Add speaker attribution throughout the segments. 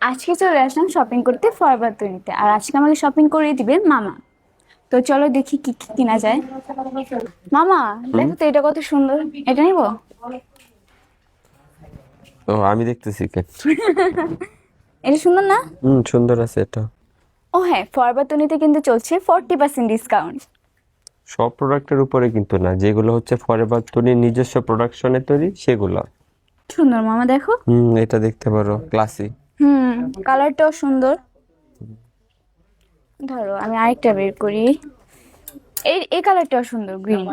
Speaker 1: আজকে চলে আসলাম শপিং করতে ফরওয়ার্ড তৈরিতে, আর আজকে আমাকে শপিং করিয়ে দিবেন মামা। তো চলো দেখি কি কি কিনা যায়। মামা,
Speaker 2: হুম।
Speaker 1: দেখো তো এটা কত সুন্দর, এটা নিবো।
Speaker 2: ও আমি দেখতেছি কেন।
Speaker 1: এটা সুন্দর না?
Speaker 2: সুন্দর আছে এটা।
Speaker 1: ও হ্যাঁ, ফরওয়ার্ড তৈরিতে কিন্তু চলছে 40% ডিসকাউন্ট।
Speaker 2: সব প্রোডাক্টের উপরে কিন্তু না, যেগুলো হচ্ছে ফরএভার তৈরি নিজস্ব প্রোডাকশনে তৈরি সেগুলো।
Speaker 1: সুন্দর মামা, দেখো।
Speaker 2: এটা দেখতে পারো, ক্লাসি।
Speaker 1: হুম, কালারটাও সুন্দর। ধরো আমি আরেকটা বের করি। এই এই কালারটাও সুন্দর, গ্রিন।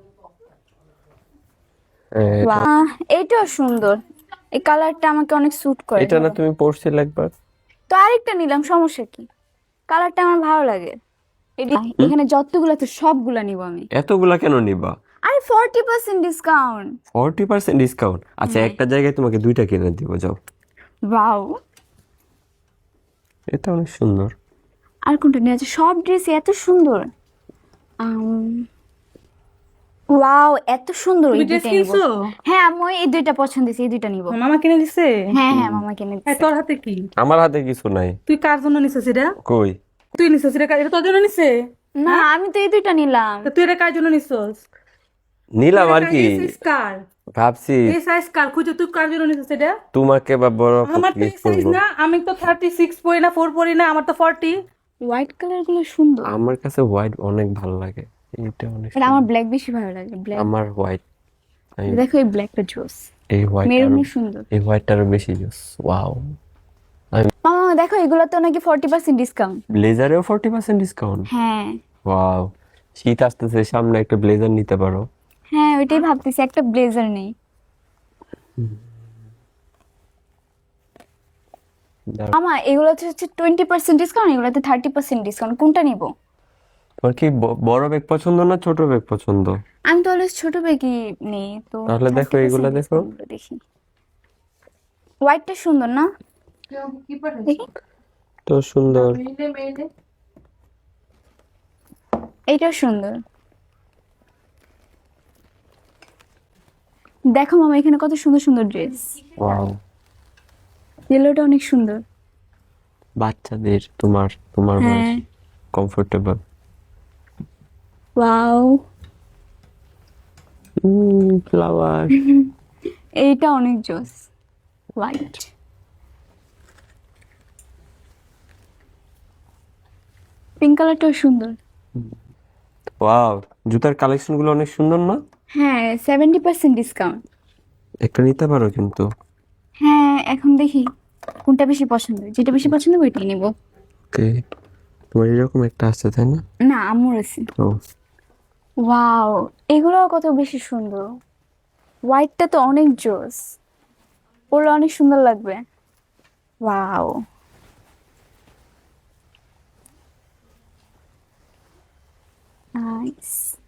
Speaker 2: এটা
Speaker 1: বাহ, এইটাও সুন্দর। এই কালারটা আমাকে অনেক স্যুট করে,
Speaker 2: এটা না,
Speaker 1: ধরো।
Speaker 2: তুমি পড়ছিলে একবার।
Speaker 1: তো আরেকটা নিলাম, সমস্যা কি? কালারটা আমার ভালো লাগে।
Speaker 2: হুম।
Speaker 1: এখানে যতগুলো আছে সবগুলা নিব আমি।
Speaker 2: এতগুলা কেন নিবা?
Speaker 1: আরে 40% ডিসকাউন্ট।
Speaker 2: 40% ডিসকাউন্ট? আচ্ছা,
Speaker 1: হ্যাঁ।
Speaker 2: একটা জায়গায় তোমাকে দুইটা কিনে দিব, যাও।
Speaker 1: ওয়াও।
Speaker 2: এটা অনেক সুন্দর।
Speaker 1: আর কোনটা নিয়ে আছে? সব ড্রেস এত সুন্দর। ওয়াও, এত সুন্দর,
Speaker 3: তুমি
Speaker 1: এই
Speaker 3: ড্রেস
Speaker 1: দুইটা নিব।
Speaker 3: কিনছো?
Speaker 1: হ্যাঁ আম্মু, এই দুইটা পছন্দ হয়েছে, এই দুইটা নিব।
Speaker 3: মামা কিনে দিছে?
Speaker 1: হ্যাঁ হ্যাঁ,
Speaker 2: হুম।
Speaker 1: মামা কিনে
Speaker 3: এই
Speaker 1: দিচ্ছে।
Speaker 3: তোর হাতে কি?
Speaker 2: আমার হাতে কিছু নাই।
Speaker 3: তুই কার জন্য নিছিস এটা?
Speaker 2: কই?
Speaker 3: তুই নিছিস এটা এটা তোর জন্য নিছে?
Speaker 1: না,
Speaker 3: হ্যাঁ,
Speaker 1: আমি তো এই দুইটা নিলাম।
Speaker 3: তা তুই এটা কার জন্য নিছিস? তুই
Speaker 2: নিলাম
Speaker 3: এটা
Speaker 2: আর কি।
Speaker 3: এই সাইজ কার?
Speaker 2: ভাবছি
Speaker 3: এই সাইজ কার খুঁজে তুই কার জন্য নিছিস এটা?
Speaker 2: তোমাকে বা বড়
Speaker 3: আমার তো এই
Speaker 2: গিফট
Speaker 3: সাইজ
Speaker 2: করবো।
Speaker 3: না, আমি তো 36 পরি না, 4 পরি না, আমার তো 40।
Speaker 1: হোয়াইট কালার গুলো সুন্দর।
Speaker 2: আমার কাছে হোয়াইট অনেক ভালো লাগে। এটা অনেক
Speaker 1: এটা আমার
Speaker 2: সুন্দর।
Speaker 1: ব্ল্যাক বেশি ভালো লাগে, ব্ল্যাক।
Speaker 2: আমার হোয়াইট। আমি
Speaker 1: দেখো এই ব্ল্যাকটা জোস।
Speaker 2: এই হোয়াইট আরো,
Speaker 1: মেরুনই সুন্দর।
Speaker 2: এই হোয়াইট আরো বেশি জোস। ওয়াও। আমি
Speaker 1: মামা দেখো, এগুলো তো নাকি 40% ডিসকাউন্ট।
Speaker 2: ব্লেজারেও 40% ডিসকাউন্ট।
Speaker 1: হ্যাঁ।
Speaker 2: ওয়াও। শীত আসতেছে সামনে, একটা ব্লেজার নিতে পারো।
Speaker 1: হ্যাঁ, ওইটাই ভাবতেছি, একটা ব্লেজার নেই।
Speaker 2: দাঁড়াও।
Speaker 1: মামা এগুলোতে হচ্ছে 20% ডিসকাউন্ট, এগুলোতে 30% ডিসকাউন্ট, কোনটা নিব?
Speaker 2: তোমার কি বড় ব্যাগ পছন্দ না ছোট ব্যাগ পছন্দ?
Speaker 1: আমি তো অলওয়েজ ছোট ব্যাগই নেই, তো
Speaker 2: তাহলে দেখো, এগুলা
Speaker 1: 30%
Speaker 2: দেখো।
Speaker 1: ডিসকাউন্ট দেখি। হোয়াইটটা সুন্দর না? দেখি।
Speaker 2: তো সুন্দর।
Speaker 1: এইটাও সুন্দর। দেখো মামা, এখানে কত সুন্দর সুন্দর ড্রেস।
Speaker 2: ওয়াও।
Speaker 1: ইয়েলোটা অনেক সুন্দর।
Speaker 2: বাচ্চাদের, তোমার তোমার
Speaker 1: হ্যাঁ।
Speaker 2: বয়সী, কমফোর্টেবল।
Speaker 1: ওয়াও।
Speaker 2: ফ্লাওয়ার।
Speaker 1: এইটা অনেক জোস। হোয়াইট। পিঙ্ক কালারটাও সুন্দর।
Speaker 2: ওয়াও। জুতার কালেকশন গুলো অনেক সুন্দর না?
Speaker 1: হ্যাঁ, 70% ডিসকাউন্ট।
Speaker 2: একটা নিতে পারো কিন্তু।
Speaker 1: হ্যাঁ, এখন দেখি কোনটা বেশি পছন্দ, যেটা বেশি পছন্দ ওইটাই নিব।
Speaker 2: ওকে। তোমার এরকম একটা আছে তাই না?
Speaker 1: না, আম্মুর আছে।
Speaker 2: ও।
Speaker 1: ওয়াও, এগুলো কত বেশি সুন্দর। হোয়াইটটা তো অনেক জোস, পরলে অনেক সুন্দর লাগবে। ওয়াও। নাইস।